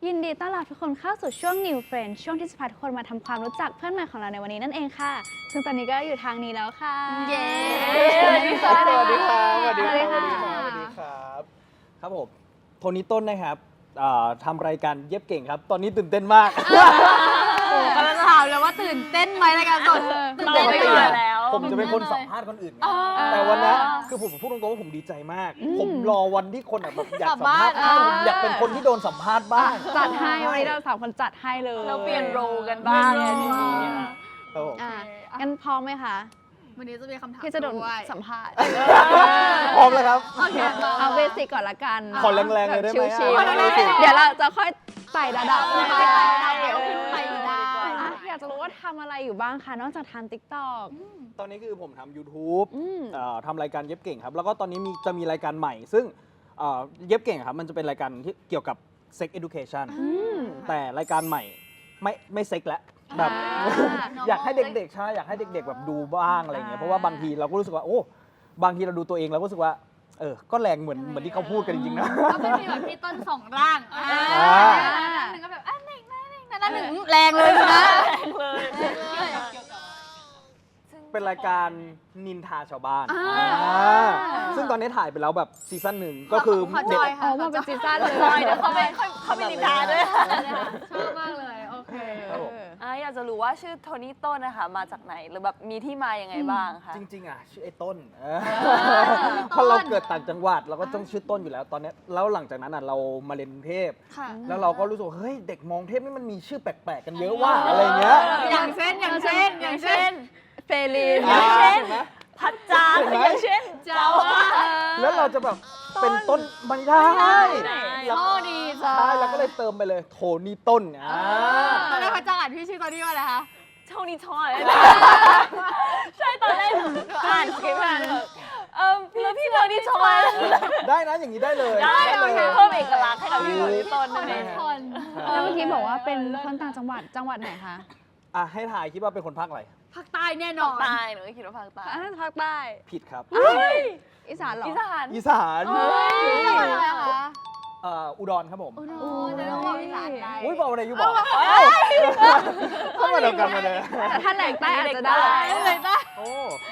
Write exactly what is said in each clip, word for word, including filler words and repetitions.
ยินดีต้อนรับทุกคนเข้าสู่ช่วง New Friend ช่วงที่จะพาทุกคนมาทำความรู้จักเพื่อนใหม่ของเราในวันนี้นั่นเองค่ะซึ่งตอนนี้ก็อยู่ทางนี้แล้วค่ะเย้สวัสดีครับสวัสดีครับสวัสดีสวัสดีคค่ะรับสวัสดีครับครับผมโทนี่ต้นนะครับทำรายการเย็บเก่งครับ ตอนนี้ตื่นเต้นมากโอ้กำลังถามเลยว่าตื่นเต้นไหมรายการสดตื่นเต้นไหมตื่นเต้นแล้วผมจะเป็นคนสัมภาษณ์คนอื่นไงแต่วันนี้คือผมพูดตรงๆว่าผมดีใจมาก ผมรอวันที่คนแบบอยากสัมภาษณ์ผมอยากเป็นคนที่โดนสัมภาษณ์บ้างจัดให้วันนี้เราสามคนจัดให้เลยเราเปลี่ยนโรกันบ้างทีนี้ครับผมอ่ะงั้นพร้อมไหมคะวันนี้จะมีคำถามที่จะโดนด้วยสัมภาษณ์พร้อมแล้วครับโอเคเอาเบสิกก่อนละกันขอแรงๆเลยได้ไหมชิวอ่ะๆเดี๋ยวเราจะค่อยไต่ระดับขึ้นไปได้ขึ้นไปได้อ่ะอยากจะรู้ว่าทำอะไรอยู่บ้างคะนอกจากทำ TikTok ตอนนี้คือผมทำ YouTube อืมเอ่อทำรายการเย็บเก่งครับ แล้วก็ตอนนี้มีจะมีรายการใหม่ ซึ่งเอ่อเย็บเก่งครับ มันจะเป็นรายการที่เกี่ยวกับ Sex Education มแต่รายการใหม่ไม่ไม่เซ็กแล้วแบบอ่าอยากให้เด็กๆใช่อยากให้เด็ก ๆ แบบดูบ้างอะไรเงี้ยเพราะว่าบางทีเราก็รู้สึกว่าโอ้บางทีเราดูตัวเองเราก็รู้สึกว่าเออก็แรงเหมือนเหมือนที่เขาพูดกันจริงๆนะก็ไม่มีแบบพี่ต้นสองร่างอ่าอ่าหนึ่งก็แบบอ่ะหนึ่งนะหนึ่งนะหนึ่งแรงเลยนะแรงเลยเป็นรายการนินทาชาวบ้านอ่าอ่าซึ่งตอนนี้ถ่ายไปแล้วแบบซีซั่นหนึ่งก็คือขอจเด็กอยอ๋อมาเป็นซีซั่นเลยเดี๋ยวเขาไปเขาไปนินทาด้วยชอบมากเลยโอเคครับผมอ่ะอยากจะรู้ว่าชื่อโทนี่ต้นนะคะมาจากไหนหรือแบบมีที่มายังไงบ้างคะจริงๆอ่ะชื่อไอ้ต้นเออเพราะเราเกิดต่างจังหวัดเราก็ต้องชื่อต้นอยู่แล้วตอนนี้แล้วหลังจากนั้นอ่ะเรามาเรียนกรุงเทพค่ะแล้วเราก็รู้สึกว่าเฮ้ยเด็กมองเทพนี่มันมีชื่อแปลกๆกันเยอะว่าอะไรเงี้ยอย่างเช่นอย่างเช่นอย่างเช่นเฟลีนอ่าเช่นเห็นไหมพัดจานเห็นไหมอย่างเช่นเจ้าว่าแล้วเราจะแบบเป็นต้นไม่ได้โชคดีจ้าใช่เราก็เลยเติมไปเลยโทนี่ต้นอ่าตอนแรกพระจังอ่านพี่ชื่อตอนนี้ว่าอะไรคะโทนี่ทอยใช่ตอนแรกหนูอ่านสคริปต์อ่านแบบเออแล้วพี่โทนี่ทอยได้นะอย่างนี้ได้เลยได้เลยเพิ่มเอกลักษณ์ให้กับพี่โทนี่ต้นนั่นเองคนแล้วเมื่อกี้บอกว่าเป็นคนต่างจังหวัดจังหวัดไหนคะอ่ะให้ถ่ายคิดว่าเป็นคนภาคอะไรภาคใต้แน่นอนใต้หนูก็คิดว่าภาคใต้อันนั้นภาคใต้ผิดครับอีสานเหรออีสานอีสานจังหวัดอะไรคะเอ่ออุดรครับผมโอ้โหเดี๋ยวต้องบอกอีสานได้อุ้ยบอกอะไรอยู่บอกเข้ามาเดียวกันมาเลยแต่ถ้าแหล่งใต้อาจจะได้เลยได้โอ้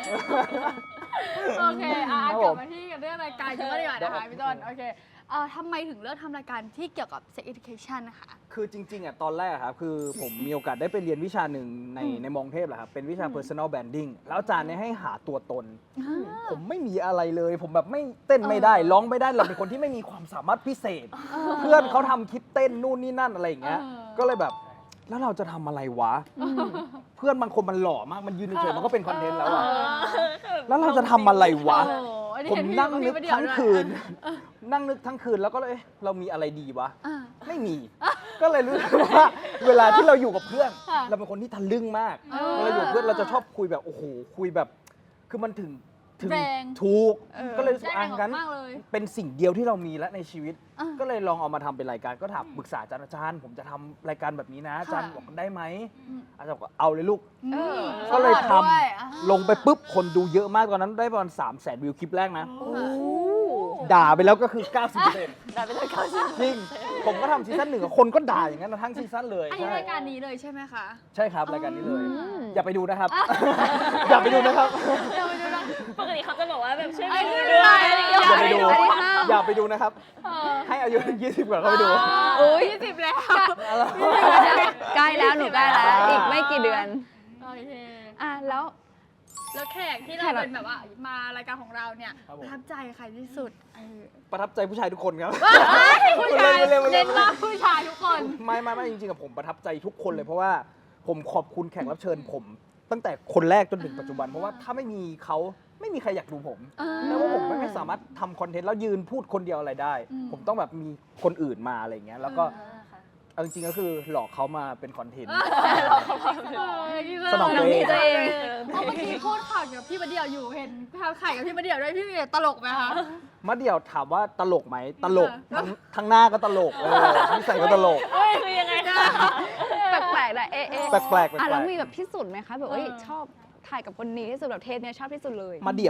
โอเคอ่ะครับกผลับมมาที่กันเรื่องรายการกันบ้างดีกว่านะคะพี่ต้นโอเคเอ่อทำไมถึงเลือกทำรายการที่เกี่ยวกับ sex education นะคะคือจริงๆอ่ะตอนแรกอะครับคือผมมีโอกาสได้ไปเรียนวิชาหนึ่งในในมองเทพแหละครับเป็นวิชา personal branding แล้วอาจารย์เนี่ยให้หาตัวตน ผมไม่มีอะไรเลย ผมแบบไม่เต้นไม่ได้ ร้องไม่ได้เราเป็นคนที่ไม่มีความสามารถพิเศษ เพื่อนเขาทำคลิปเต้นนู่นนี่นั่นอะไรอย่างเงี้ยเออก็เลยแบบแล้วเราจะทำอะไรวะ เพื่อนบางคนมันหล่อมากมันยืนเฉยๆมันก็เป็นคอนเทนต์แล้วอะแล้วเราจะทำอะไรวะโอ้โหอันนี้ผมเห็พี่นั่งนึกพี่เดี่ยวทั้งด้วยคืน นั่งนึกทั้งคืนแล้วก็เลยเอ๊ะเรามีอะไรดีวะอ่าไม่มี ก็เลยรู้สึกว่าเวลาที่เราอยู่กับเพื่อนค่ะเราเป็นคนที่ทะลึ่งมากเออเวลาอยู่กับเพื่อนเราจะชอบคุยแบบโอ้โหคุยแบบ คือมันถึงถึงแรงถูกเออก็เลยรู้สึกได้อ่ะแรงงั้นมากเลยเป็นสิ่งเดียวที่เรามีแล้วในชีวิตอ่าก็เลยลองเอามาทำเป็นรายการก็ถามปรึกษาอาจารย์อาจารย์ ผมจะทำรายการแบบนี้นะอาจารย์ค่ะบอกได้ไหมอืมอาจารย์บอกเอาเลยลูกเออก็เลยทด้วยอ่าำลงไปปุ๊บคนดูเยอะมากตอนนั้นได้ประมาณสามแสนวิวคลิปแรกนะโอ้ด่าไปแล้วก็คือ เก้าสิบเปอร์เซ็นต์ได้ไปเลยเก้าสิบจริง ผมก็ทำซีซั่นหนึ่งอะคนก็ด่าอย่างนั้นนะทั้งซีซั่นเลยอันนี้ใช่รายการนี้เลยใช่ไหมคะใช่ครับรายการนี้เลยอืมอย่าไปดูนะครับ อย่าไปดูนะครับเดี๋ยวไปดูนะปกติเขาจะบอกว่าแบบช่วยไอ้ดูนี่ด้วยไม่ได้อย่าไปดูอันนี้ห้ามอย่าไปดูนะครับเออให้อายุยี่สิบก่อนเข้าไปดูอุ้ยยี่สิบแล้วใกล้แล้วหนูใกล้แล้ว อีกไม่กี่เดือนโอเคอ่ะแล้วแล้วแขกที่เราแขกเราเป็นแบบว่ามารายการของเราเนี่ยครับผมประทับใจใครที่สุดเออประทับใจผู้ชายทุกคนครับผู้ชายเร็วๆเร็วๆเน้นมากผู้ชายทุกคนไม่ไม่ไม่จริงๆอะผมประทับใจทุกคนเลยเพราะว่าผมขอบคุณแขกรับเชิญผม ตั้งแต่คนแรกจนถึงปัจจุบัน เพราะว่าถ้าไม่มีเขาไม่มีใครอยากดูผมอ่าแล้วว่าผมไม่สามารถทำคอนเทนต์แล้วยืนพูดคนเดียวอะไรได้อืมผมต้องแบบมีคนอื่นมาอะไรอย่างเงี้ยแล้วก็เอาจริงๆก็คือหลอกเขามาเป็นคอนเทนต์เออที่สนองตัวเองตัวเองเพราะเมื่อกี้พูดข่าวกับพี่มาเดี่ยวอยู่เห็นข่าวกับพี่มาเดี่ยวด้วยพี่มาเดี่ยวตลกไหมคะมะเดี่ยวถามว่าตลกไหมตลกเออทั้งทั้งหน้าก็ตลกเออนิสัยก็ตลกคือยังไงนะแปลกๆนะเอ๊ะเอ๊ะแปลกๆแปลกๆอ่ะแล้วมีแบบที่สุดไหมคะแบบเอ้ยเออชอบถ่ายกับคนนี้ที่สุดแบบเทปเนี้ยชอบที่สุดเลยมะเดี่ยว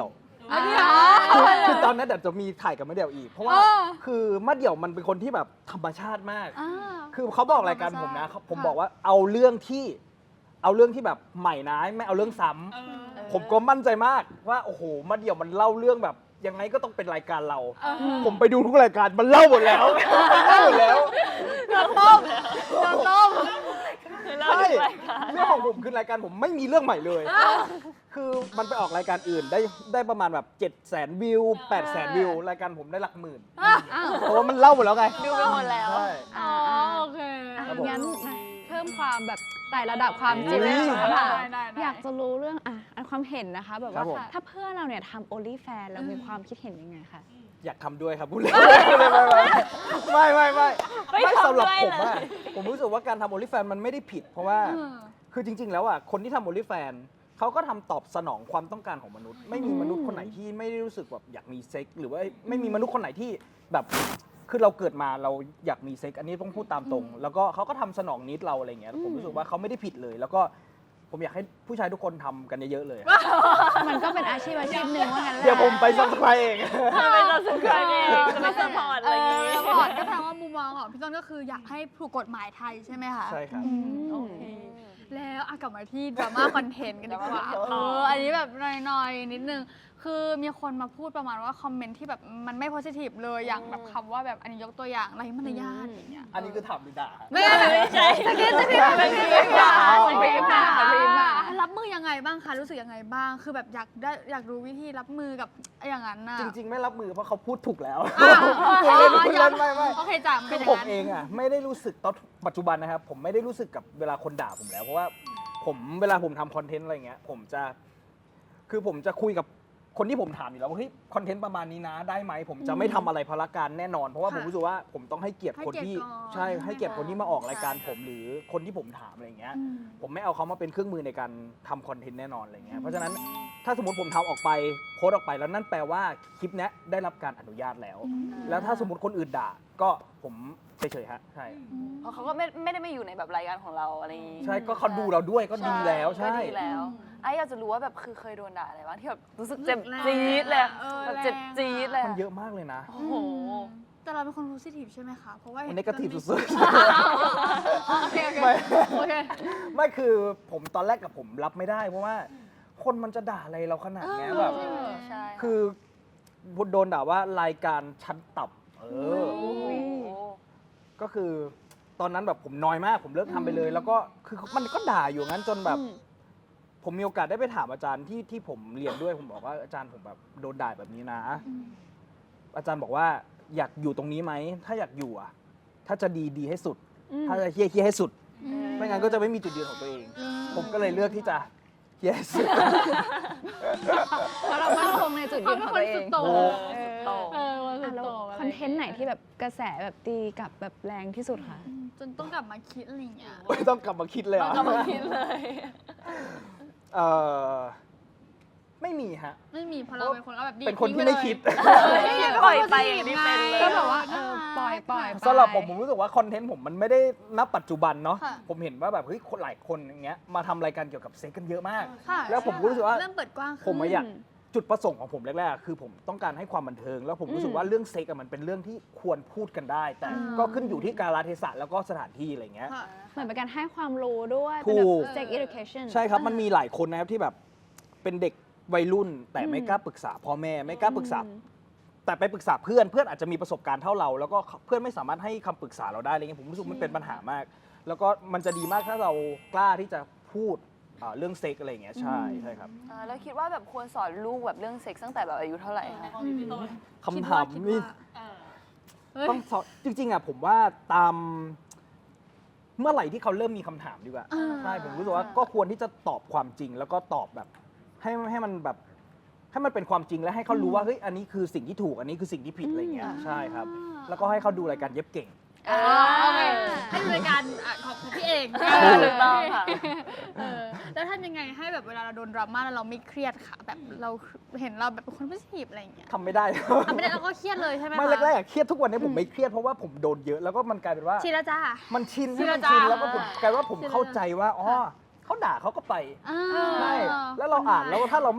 ไม่ได้เหรอคือคือตอนนั้นเดี๋ยวจะมีถ่ายกับมะเดี่ยวอีก เพราะว่าเออคือมะเดี่ยวมันเป็นคนที่แบบธรรมชาติมากอ่าคือเขาบอกรายการผมนะธรรมชาติผมค่ะบอกว่าเอาเรื่องที่เอาเรื่องที่แบบใหม่นะไม่เอาเรื่องซ้ำผมก็มั่นใจมากว่าโอ้โหมะเดี่ยวมันเล่าเรื่องแบบยังไงก็ต้องเป็นรายการเราเออผมไปดูทุกรายการมันเล่าหมดแล้วเล่าหมดแล้วโดนต้มโดนต้มคือเราใช่ดูรายการเรื่องของผมคือรายการผมไม่มีเรื่องใหม่เลย คือมันไปออกรายการอื่นได้ได้ประมาณแบบเจ็ดแสนวิวแปดแสนวิวรายการผมได้หลักหมื่นอ่ะเพราะว่ามันเล่าหมดแล้วไงดูไปหมดแล้วใช่อ๋อโอเคอ่ะครับผมงั้นเพิ่มความแบบไต่ระดับความจริงอุ๊ยเลยค่ะได้ได้ได้อยากจะรู้เรื่องอ่ะอันความเห็นนะคะ แบบครัว่าบผมถ้าเพื่อนเราเนี่ยทำโอลี่แฟนเรามีความคิดเห็นยังไงคะอยากทำด้วยครับพูดเลยไม่ไม่ไม่ไม่ไม่ทำสำหรับด้วยผมเลยอะผมรู้สึกว่าการทำโอลิแฟนมันไม่ได้ผิด เพราะว่าเออคือจริง ๆ แล้วอ่ะคนที่ทำโอลิแฟนเขาก็ทำตอบสนองความต้องการของมนุษย์ ไม่มีมนุษย์คนไหนที่ไม่ได้รู้สึกแบบอยากมีเซ็กหรือว่าไม่มีมนุษย์คนไหนที่แบบคือเราเกิดมาเราอยากมีเซ็กอันนี้ต้องพูดตามตรง แล้วก็เขาก็ทำสนองนิดเราอะไรเงี้ยผมรู้สึกว่าเขาไม่ได้ผิดเลย แล้วก็ผมอยากให้ผู้ชายทุกคนทำกันเยอะๆเลยมันก็เป็นอาชีพอาชีพหนึ่งว่างั้นแหละเดี๋ยวผมไปซับสไครต์เองจะไปซับสไครต์เองจะไปสปอร์ตอะไรอย่างเองี้อพอร์ตก็แปลว่ามุมมองของพี่ต้นก็คืออยากให้ถูกกฎหมายไทยใช่ไหมคะใช่ครับอืมโอเคแล้วอ่ะกลับมาที่ดราม่าคอนเทนต์กันดีกว่าดราม่าคอนเทนต์เอออันนี้แบบหน่อยๆนิดนึง คือมีคนมาพูดประมาณว่าคอมเมนต์ที่แบบมันไม่โพสิทีฟเลยอย่างแบบคำว่าแบบอันนี้ยกตัวอย่างไรมารยาทอย่างเงี้ยอันนี้คือถามหรือด่าไม่ไม่ใช่สกินสกินสกินสกินอ๋อสกินอ๋อสกินอ๋อรับมือยังไงบ้างคะรู้สึกยังไงบ้าง คือแบบอยากได้อยากรู้วิธีรับมือกับอย่างนั้นน่ะจริง ๆ ไม่รับมือเพราะเขาพูดถูกแล้วอ่ะพูดเล่นพูดเล่นไม่ไม่โอเคจ้ะคืเป็นออย่างผมนั้นเองอ่ะไม่ได้รู้สึกตอนปัจจุบันนะครับ ผมไม่ได้รู้สึกกับเวลาคนด่าผมแล้ว เพราะว่าผมเวลาผมทำคอนเทนต์อะไรเงี้ยผมจะคือผมจะคุยกับคนที่ผมถามอยู่แล้วว่าเฮ้ยคอนเทนต์ประมาณนี้นะได้ไหมผมจะไม่ทำอะไรพละการแน่นอน เพราะว่าค่ะผมรู้สึกว่าผมต้องให้เกียรติคนที่ให้เกียรติก่อนใช่ให้เกียรติคนที่มาออกรายการใช่ผมหรือคนที่ผมถามอะไรเงี้ยอืมผมไม่เอาเขามาเป็นเครื่องมือในการทำคอนเทนต์แน่นอนอะไรเงี้ยเพราะฉะนั้นถ้าสมมติผมทำออกไปโพสต์ออกไปแล้วนั่นแปลว่าคลิปเนี้ยได้รับการอนุญาตแล้ว แล้วถ้าสมมติคนอื่นด่าก็ผมเฉยๆฮะใช่เพราะเขาก็ไม่ไม่ได้มาอยู่ในแบบรายการของเราอะไรอย่างงี้ใช่ก็เขาดูเราด้วยก็ดีแล้วใช่ก็ดีแล้วไอ้อยากจะรู้ว่าแบบคือเคยโดนด่าอะไรบ้างที่แบบรู้สึกเจ็บแรงจี๊ดเลยเออแบบเจ็บแรงอะจี๊ดเลยมันเยอะมากเลยนะโอ้โหแต่เราเป็นคนโพสิทีฟใช่ไหมคะ เพราะว่ามันเห็เนกาทีฟสุดโอเคโอเคไม่โอเคๆ ไม่คือผมตอนแรกกับผมรับไม่ได้ เพราะว่าคนมันจะด่าอะไรเราขนาดเนี้ยแบบเออใช่คือโดนด่าว่ารายการชั้นต่ำเออโอ้โหก็คือตอนนั้นแบบผมน้อยมาก ผมเลิกทำไปเลย แล้วก็คือมันก็ด่าอยู่งั้นจนแบบ ผมมีโอกาสได้ไปถามอาจารย์ที่ที่ผมเรียนด้วยผมบอกว่าอาจารย์ผมแบบโดนด่าแบบนี้นะ อาจารย์บอกว่าอยากอยู่ตรงนี้ไหมถ้าอยากอยู่อ่ะ ถ้าจะดีดีให้สุด ถ้าจะเฮี้ยเฮี้ยให้สุด ไม่งั้นก็จะไม่มีจุดยืนของตัวเอง ผมก็เลยเลือกที่จะเฮี้ยให้สุดเพราะเรามั่นคงในจุดยืนของตัวเอเขาเป็นคนสุงดโต่งโอ้เออวันสุอ่ะดแล้วโต่งะคไรอนเทนต์ไหนที่แบบกระแสแบบตีกลับแบบแรงที่สุดคะอืมจนต้องกลับมาคิดอะไรอย่างเงี้ยไม่ต้องกลับมาคิดเลยเราอ่ะกำลังคิดเลยเออไม่มีฮะไม่มีเพราะเราเป็นคนเอาแบบดีเป็นคนที่ไม่คิดปล่อยไปอย่างที่เป็นเลยก็แบบว่าเออปล่อยปล่อยสำหรับผมผมรู้สึกว่าคอนเทนต์ผมมันไม่ได้ณปัจจุบันเนาะค่ะผมเห็นว่าแบบเฮ้ยคนหลายคนอย่างเงี้ยมาทำรายการเกี่ยวกับเซ็กกันเยอะมากค่ะแล้วผมก็รู้สึกว่าเริ่มเปิดกว้างขึ้นผมอะอยากจุดประสงค์ของผมแรกๆอะคือผมต้องการให้ความบันเทิง แล้วผมรู้สึกว่าเรื่องเซ็กอะมันเป็นเรื่องที่ควรพูดกันได้ แต่ก็ขึ้นอยู่ที่กาลเทศะแล้วก็สถานที่อะไรเงี้ยค่ะเหมือนเป็นการให้ความรู้ด้วยถูเป็นกแบบ sex education ใช่ครับมันมีหลายคนนะครับที่แบบเป็นเด็กวัยรุ่น แต่ไม่กล้าปรึกษาพ่อแม่ไม่กล้าปรึกษา แต่ไปปรึกษาเพื่อนเพื่อนอาจจะมีประสบการณ์เท่าเรา แล้วก็เพื่อนไม่สามารถให้คำปรึกษาเราได้อะไรเงี้ยผมรู้สึกมันเป็นปัญหามาก แล้วก็มันจะดีมากถ้าเรากล้าที่จะพูดอ่าเรื่องเซ็กอะไรอย่างเงี้ยใช่ใช่ครับอ่าแล้วคิดว่าแบบควรสอนลูกแบบเรื่องเซ็กส์ตั้งแต่แบบอายุเท่าไหร่คะคำถามคิดว่านี่เฮ้ยต้องสอนจริงๆอ่ะผมว่าตามเมื่อไหร่ที่เขาเริ่มมีคำถามดีกว่าอ่าใช่ผมรู้สึกว่าก็ควรที่จะตอบความจริง แล้วก็ตอบแบบ ให้ให้มันแบบให้มันเป็นความจริงและให้เขารู้ว่าเฮ้ยอันนี้คือสิ่งที่ถูกอันนี้คือสิ่งที่ผิดอะไรเงี้ยใช่ครับ แล้วก็ให้เขาดูรายการเย็บเก่งอ๋อโอเคให้ดูรายการอ่ะของของพี่เองถูกต้องค่ะเออแล้วทำยังไงให้แบบเวลาเราโดนดราม่าแล้วเราไม่เครียดค่ะ แบบเราเห็นเราแบบเป็นคนโพสิทีฟอะไรอย่างเงี้ยทำไม่ได้ทำไม่ได้เราก็เครียดเลยใช่ไหมคะไม่แรกๆอะเครียดทุกวันนี้ผมไม่เครียดเพราะว่าผมโดนเยอะแล้วก็มันกลายเป็นว่าชินแล้วจ้ามันชินชินให้มันแล้วชินจ้าแล้วก็ผมกลายว่าผมชินแล้วเข้าใจว่าอ๋อเขาด่าเขาก็ไปอ่าใช่แล้วเราอ่านแล้วถ้าเราไม่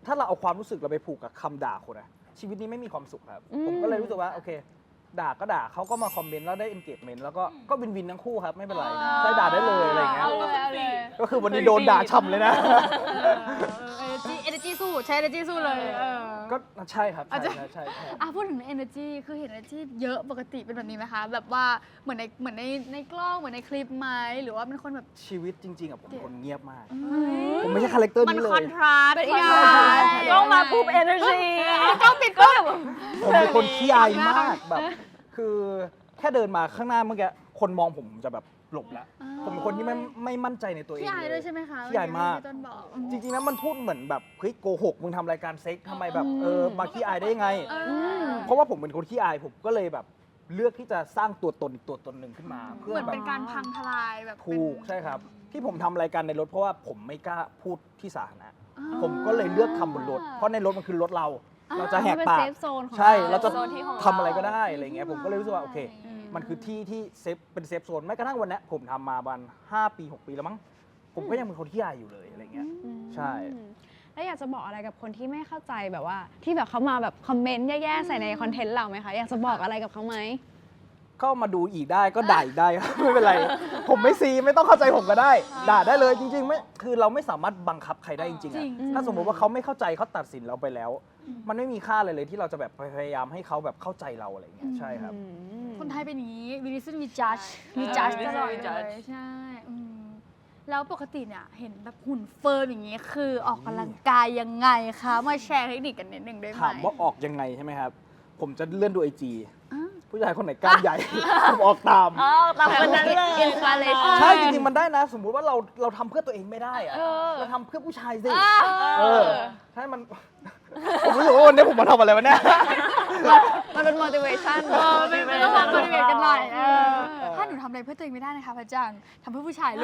ถ้าเราเอาความรู้สึกเราไปผูกกับคำด่าคนอะชีวิตนี้ไม่มีความสุขครับอืมผมก็เลยรู้สึกว่าโอเค ด่าก็ด่าเขาก็มาคอมเมนต์แล้วได้ engagement แล้วก็ก็วินวินทั้งคู่ครับไม่เป็นไรใช่ด่าได้เลยอะไรอย่างเงี้ยเอาเลยเอาเลยก็คือวันนี้โดนด่าฉ่ำเลยนะเออ energy energy สู้ใช้ energy สู้เลยเออก็ใช่ครับอาจใช่จะใช่ใช่ใช่อ่ะพูดถึง energy คือเห็น energy เยอะปกติเป็นแบบนี้ไหมคะ แบบว่าเหมือนในเหมือนในในกล้องเหมือนในคลิปไหมหรือว่าเป็นคนแบบชีวิตจริงๆอะผมคนเงียบมากเฮ้ยผมไม่ใช่คาแรคเตอร์มันนี้เลคอนยทราสต์เป็นอีกคอนอย่างทราสต์ต้องมาปุ๊บ energy ต้องปิดก็แบบผมเป็นคนขี้อายมากแบบ คือแค่เดินมาข้างหน้าเมื่อกี้คนมองผมผมจะแบบหลบแล้ว ผมเป็นคนที่ไม่ไม่มั่นใจในตัวเองพี่อายเลด้วยใช่ไหมคะขี้อายมากที่ต้นบอกจริงๆนะมันพูดเหมือนแบบเฮ้ยโกหกมึงทำรายการเซ็กทำไมแบบเออมาขี้อายได้ยังไงเออเพราะว่าผมเป็นคนขี้อายผมก็เลยแบบเลือกที่จะสร้างตัวตนอีกตัวตนหนึ่งขึ้นมา เพื่เหอมือนแบเป็บนการพังทลายแบบถูกเป็นใช่ครับ ที่ผมทำรายการในรถเพราะว่าผมไม่กล้าพูดที่สาธารณะอ่าผมก็เลยเลือกทำบนรถ เพราะในรถมันคือรถเรา เราจะแหกเป็นปากเซฟโซนของใช่ เราจะโซนที่ของเราทำอะไรก็ได้อะไรเงี้ยผมก็เลยรู้สึกว่าโอเคอืมมันคือที่ที่เซฟเป็นเซฟโซนแม้กระทั่งวันเนี้ยผมทำมาประมาณห้าปีหกปีแล้วมั้งผมก็ยังเป็นคนขี้อายอยู่เลยอะไรเงี้ยอืมใช่แล้วอยากจะบอกอะไรกับคนที่ไม่เข้าใจแบบว่า ที่แบบเขามาแบบคอมเมนต์แย่ๆใส่ในคอนเทนต์เราไหมคะ อยากจะบอกอะไรกับเขาไหมก็มาดูอีกได้ก็ด่าอีกได้ครับ ไม่เป็นไร ผมไม่ซีไม่ต้องเข้าใจผมก็ได้ ด่าได้เลยจริงๆไม่คือเราไม่สามารถบังคับใครได้จริงๆจริอะงถ้าสมมติว่าเขาไม่เข้าใจเขาตัดสินเราไปแล้ว มันไม่มีค่าอะไรเลยที่เราจะแบบพยายามให้เขาแบบเข้าใจเราอะไรเงี้ยใช่ครับอืมคนไทยเป็นอย่างนี้ we listen we judge มี judge ตลอด we เล judge ยใช่อืมแล้วปกติเนี่ยเห็นแบบหุ่นเฟิร์มอย่างนี้คือออกกำลังกายยังไงคะมาแชร์เทคนิคกันนิดหนึ่งได้ไหมถามว่าออกยังไงใช่ไหมครับ ผมจะเลื่อนดูไอจีอ่าผู้ชายคนไหนกล้ามใหญ่ ผมออกตามอ๋อตามคนนั้นเลยอินสปิเรชั่นใช่จริงๆมันได้นะ สมมุติว่าเราเราทำเพื่อตัวเองไม่ได้อะเราทำเพื่อผู้ชายสิเออใช่มัน ผมรู้สึกว่าวันนี้ผมมาทำอะไรวะเนี่ยมันเป็น motivation เออเป็นเป็นต้องการ motivate กันหน่อยเออถ้าหนูทำอะไรเพื่อตัวเองไม่ได้นะคะพระจังทำเพื่อผู้ชายเลย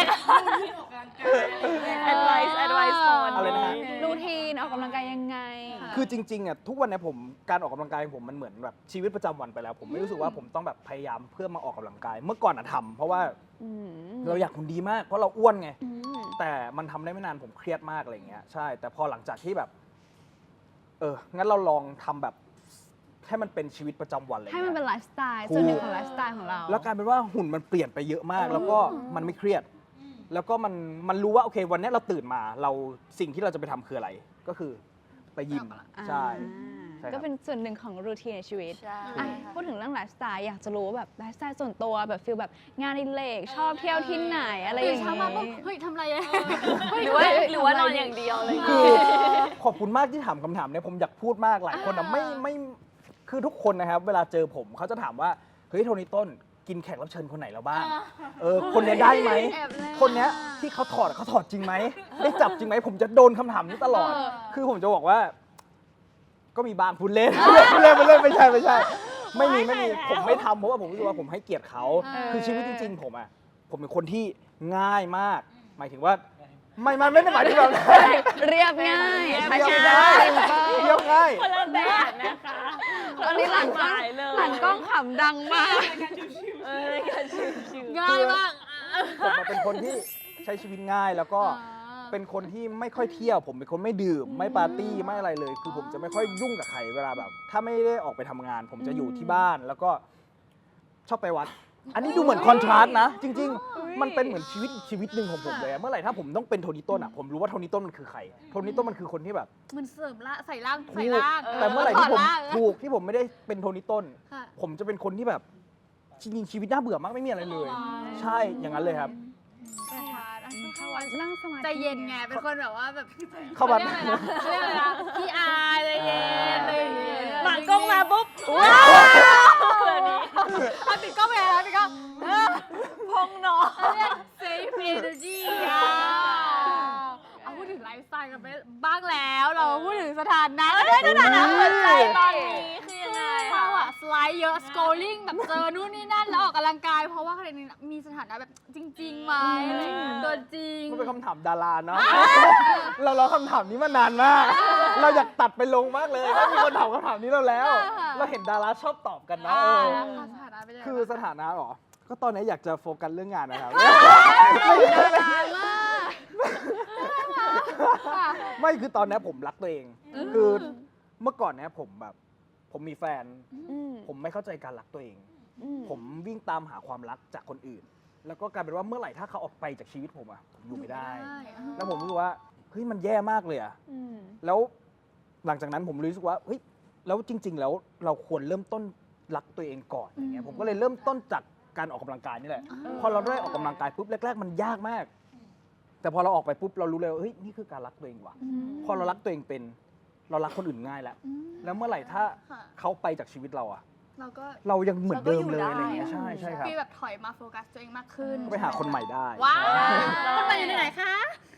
advice advice ก่อนอะไรนะฮะรูทีนออกกำลังกายยังไงคือจริงๆอ่ะทุกวันเนี้ผมการออกกำลังกายของผมมันเหมือนแบบชีวิตประจำวันไปแล้ว ผมไม่รู้สึกว่าผมต้องแบบพยายามเพื่อมาออกกำลังกาย เมื่อก่อนอะทำเพราะว่าอืมเราอยากหุ่นดีมากเพราะเราอ้วนไงอืมแต่มันทำได้ไม่นานผมเครียดมากอะไรเงี้ยใช่ แต่พอหลังจากที่แบบ เอองั้นเราลองทำแบบให้มันเป็นชีวิตประจำวันเลยให้มันเป็นไลฟ์สไตล์ถูกส่วนหนึ่งของไลฟ์สไตล์ของเราแล้วกลายเป็นว่าหุ่นมันเปลี่ยนไปเยอะมาก แล้วก็มันไม่เครียด แล้วก็มันมันรู้ว่าโอเค วันนี้เราตื่นมาเราสิ่งที่เราจะไปทำคืออะไร ก็คือไปยิมใช่ ใช่ครับก็เป็นส่วนหนึ่งของรูทีนในชีวิตใช่อ่ะพูดถึงเรื่องไลฟ์สไตล์อยากจะรู้ว่าแบบไลฟ์สไตล์ส่วนตัวแบบฟิลแบบงานอดิเรกชอบเที่ยวที่ไหนอะไรอตื่นย่างเช้ามาปุ๊บงี้เฮ้ยทำอะไรอะหรือว่าหรือว่านอนอย่างเดียวเลยคือขอบคุณมากที่ถามคำถามเนี่ยผมอยากพูดมากหลายคนอะไม่ไม่คือทุกคนนะครับ เวลาเจอผมเขาจะถามว่าเฮ้ยโทนี่ต้นกินแขกรับเชิญคนไหนแล้วบ้าง เออคนเนี้ยได้ไหมแอบแลคนเนี้ยที่เขาถอดเขาถอดจริงไหมได้จับจริงไหมผมจะโดนคำถามนี้ตลอด คือผมจะบอกว่า ก็มีบางพูดเล่น พูดเล่นพูดเล่นไม่ใช่ไม่ใช่ ไม่มีไม่มีผมไม่ทำเพราะว่าผมรู้สึกว่าผมให้เกียรติเขา คือชีวิตจริง ๆ ผมอะผมเป็นคนที่ง่ายมาก หมายถึงว่า ไม่ไม่ไม่ได้หมายถึงแบบนั้นเรียบง่ายใช้เรีชียวิบตได้ง่าย simple เรียบง่ายคนละแบบนะคะตอนนี้หลังกล้องสายเลยหลังกล้องขำดังมากเออรายการชิวๆง่ายมากผมอะเป็นคนที่ใช้ชีวิตง่ายแล้วก็อ่าเป็นคนที่ไม่ค่อยเที่ยว ผมเป็นคนไม่ดื่ม ไม่ปาร์ตี้ไม่อะไรเลย คือผมจะไม่ค่อยยุ่งกับใครเวลาแบบ ถ้าไม่ได้ออกไปทำงาน ผมจะอยู่ที่บ้านแล้วก็ชอบไปวัด อันนี้ดูเหมือนคอนทราสต์นะ จริง ๆ มันเป็นเหมือนชีวิตอีกชีวิตหนึ่งของผมเลยอะเมื่อไหร่ถ้าผมต้องเป็นโทนี่ต้นอ่ะผมรู้ว่าโทนี่ต้นมันคือใครโทนี่ต้นมันคือคนที่แบบมันเสริมละใส่ร่างถูใส่กร่างแต่เมื่อไหร่ที่ผมถอดร่างถูกที่ผมไม่ได้เป็นโทนี่ต้นค่ะผมจะเป็นคนที่แบบจริงๆชีวิตน่าเบื่อมากไม่มีอะไรเลย ใช่อย่างนั้นเลยครับเข้าวัดนั่งสมาธิใจเย็นไง เป็นคนแบบว่าแบบเข้าวัดเขาเรียกอะไรนะพี่อายใจเย็นอะไรอย่างเงี้ยหลังกล้องมาปุ๊บว้าวเอาปิดกล้องไปแล้วปิดกล้องเออพองเนาะเขาเรียก safe energy อ่ะเอาพูดถึงไลฟ์สไตล์กันไปบ้างแล้ว เราพูดถึงสถานะกันด้วยสถานะหัวใจตอนนี้คือยังไงเราอะสไลด์เยอะ scrolling แบบเจอนู่นนี่นั่นแล้วออกกำลังกาย เพราะว่าใครนี้มีสถานะแบบจริงๆไหมอะไรอย่างเงี้ยตัวจริงมันเป็นคำถามดาราเนาะ เรารอคำถามนี้มานานมาก เราอยากตัดไปลงมากเลยว่ามีคนถามคำถามนี้เราแล้วค่ะเราเห็นดาราชอบตอบกันนะอ่าเออสถานะเป็นยังไงคือสถานะเหรอ ก็ตอนนี้อยากจะโฟกัสเรื่องงานนะครับค่ะไม่คือตอนเนี้ยผมรักตัวเอง คือเมื่อก่อนเนี้ยผมแบบ ผมมีแฟนอืมผมไม่เข้าใจการรักตัวเองอืมผมวิ่งตามหาความรักจากคนอื่น แล้วก็กลายเป็นว่าเมื่อไหร่ถ้าเขาออกไปจากชีวิตผมอะผมอยู่ไม่ได้ แล้วผมรู้สึกว่าเฮ้ยมันแย่มากเลยอะอืมแล้วหลังจากนั้นผมรู้สึกว่าเฮ้ยแล้วจริง ๆ แล้วเราควรเริ่มต้นรักตัวเองก่อนอย่างเงี้ยผมก็เลยเริ่มต้นจากการออกกำลังกายนี่แหละ พอเราได้ออกกำลังกายปุ๊บแรก ๆ มันยากมาก แต่พอเราออกไปปุ๊บเรารู้เลยว่าเฮ้ยนี่คือการรักตัวเองว่ะพอเรารักตัวเองเป็น เรารักคนอื่นง่ายแล้ว แล้วเมื่อไหร่ถ้าค่ะเขาไปจากชีวิตเราอะเราก็เรายังเหมือนเดิมเลยเราก็อยู่ได้อะไรเงี้ยใช่ใช่ครับฟีลแบบถอยมาโฟกัสตัวเองมากขึ้นก็ไปหาคนใหม่ได้ว้าวใช่คนใหม่อยู่ไหนคะ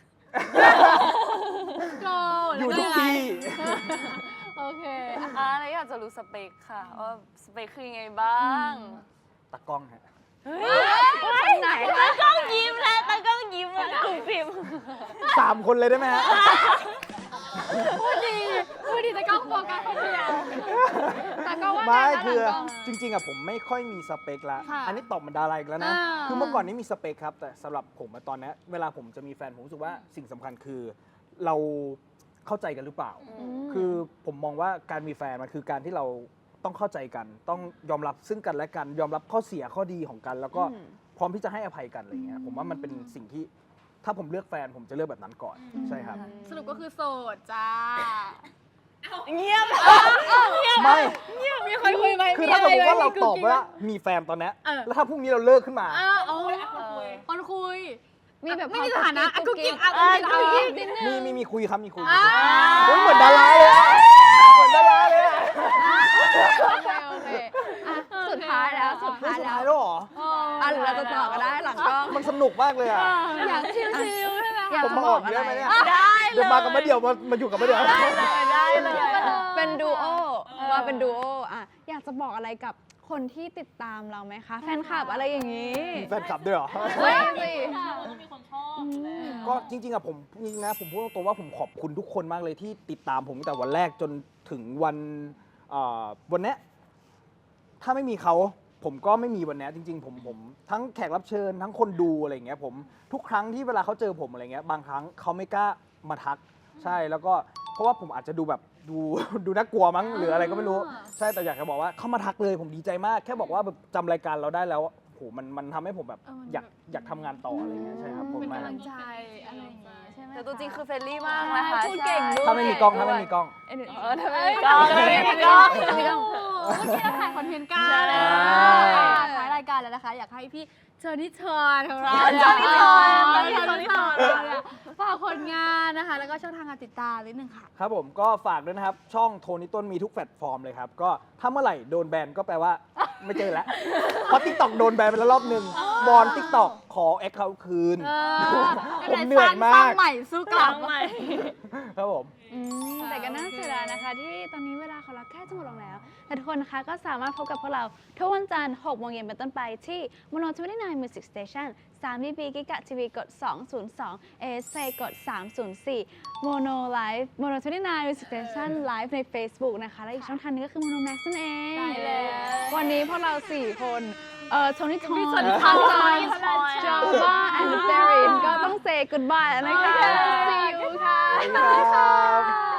โกอยู่ทุกที่โอเคอ่าแล้วอยากจะรู้สเปคค่ะว่าสเปคคือยังไงบ้างตากล้องฮะคนไหนตากล้องยิ้มแล้วตากล้องยิ้มแล้วกลุ่มพิมพ์สามคนเลยได้ไหมฮะพูดดีพูดดีแต่ก็โฟกัสคนเดียวแต่ก็ว่าไม่ไงคะคือหลังกล้องจริงๆอะผมไม่ค่อยมีสเปคละค่ะอันนี้ตอบเหมันดาราอีกแล้วนะอ่าคือเมื่อก่อนนี้มีสเปคครับ แต่สำหรับผมอะตอนเนี้ยเวลาผมจะมีแฟนผมรู้สึกว่าสิ่งสำคัญคือ เราเข้าใจกันหรือเปล่า คือผมมองว่าการมีแฟนมันคือการที่เราต้องเข้าใจกัน ต้องยอมรับซึ่งกันและกัน ยอมรับข้อเสียข้อดีของกัน แล้วก็อืมพร้อมที่จะให้อภัยกันอะไรเงี้ย ผมว่ามันเป็นสิ่งที่ถ้าผมเลือกแฟนผมจะเลือกแบบนั้นก่อน ใช่ครับสรุปก็คือโสดจ้าเงียบไม่มีคนคุยไหมคือถ้าสมมติว่าเราตอบมีว่ามีแฟนตอนเนี้ยเออแล้วถ้าพรุ่งนี้เราเลิกขึ้นมาอ้าวโอ้ยคนคุยมีแบบไม่มีสถานะอ่ะกุ๊กกิ๊กอ่ะอ่ะกุ๊กกิ๊กนิดนึงมีมีมีคุยครับมีคุยอ่าโอ้ยเหมือนดาราเลยอะเหมือนดาราเลยอะโอเคโอเคอ่ะสุดท้ายแล้วสุดเฮ้ยท้ายสุดแล้ท้ายว แล้วเหรออ่ะหรือเราจะต่อก็ได้หลังกล้องมันสนุกมากเลยอะอยากชิลๆใช่ไหมอยากผมจะมาบอออก กอะเยไรอะไหมเนี่ยได้เลยเดี๋ยวมากับมาเดี่ยวมามาอยู่กับมาเดี่ยวได้เลยเป็นดูโอมาเป็นดูโออ่ะอยากจะบอกอะไรกับคนที่ติดตามเราไหมคะแฟนคลับอะไรอย่างนี้มีแฟนคลับด้วยเหรอไม่สิก็จริงๆอะผมจริงๆนะผมพูดตรงๆว่าผมขอบคุณทุกคนมากเลยที่ติดตามผมตั้งแต่วันแรกจนถึงวันเอ่อวันเนี้ยถ้าไม่มีเขาผมก็ไม่มีวันเนี้ยจริง ๆ ผมผมทั้งแขกรับเชิญทั้งคนดูอะไรอย่างเงี้ยผมทุกครั้งที่เวลาเขาเจอผมอะไรเงี้ยบางครั้งเขาไม่กล้ามาทัก ใช่แล้วก็เพราะว่าผมอาจจะดูแบบดู ดูน่ากลัวมั้งหรืออะไรก็ไม่รู้ ใช่แต่อยากจะบอกว่าเขามาทักเลยผมดีใจมาก แค่บอกว่าแบบจำรายการเราได้แล้วโหมันมันทำให้ผมแบบอยากอยากทำงานต่ออะไรเงี้ยใช่ครับผมเป็นมากกำลังใจอะไรอย่างงี้ใช่ไหมแต่ตัวจริงคือเฟรนลี่มากนะคะพูดเก่งด้วยถ้าไม่มีกล้องถ้าไม่มีกล้องเออถ้าไม่มีกล้องถ้าไม่มีกล้องโอ้โหเมื่อกี้เราถ่ายคอนเทนต์กันใช่ถ่ายรายการแล้วนะคะ อยากให้พี่เจอร์นี่เชิญของเราเจอร์นี่เชิญเจอร์นี่เชิญเจอร์นี่เชิญเนี่ยฝากผลงานนะคะ แล้วก็ช่องทางการติดตามนิดนึงค่ะครับผมก็ฝากด้วยนะครับ ช่องโทนี่ต้นมีทุกแพลตฟอร์มเลยครับ ก็ถ้าเมื่อไหร่โดนแบนก็แปลว่าไม่เจอแล้ว เพราะทิกตอกโดนแบนไปแล้วรอบหนึ่งบอลทิกตอกขอแอคเคาท์คืนเออผมเหนื่อยมากสร้างใหม่สู้กลับใหม่ครับผมอืมแต่ก็น่าเสียดายนะคะ ที่ตอนนี้เวลาของเราใกล้จะหมดลงแล้ว แต่ทุกคนนะคะก็สามารถพบกับพวกเราทุกวันจันทร์หกโมงเย็นเป็นต้นไปที่ Mono ยี่สิบเก้า Music Station สาม บี บี กิกะทีวีกดสองศูนย์สอง เอ เอส เอ กดสามศูนย์สี่ Mono Live Mono ยี่สิบเก้า Music Station Live ใน Facebook นะคะ และอีกช่องทางหนึงก็คือ Mono Max นั่นเองใช่แล้ววันนี้พวกเราสี่คนเอ่อโทนี่ทอนพี่โทนี่ททออน นจอบ้าแอนด์เซรินก็ต้อง say goodbye แล้วนะคะ see you ค่ะสวัสดีครับ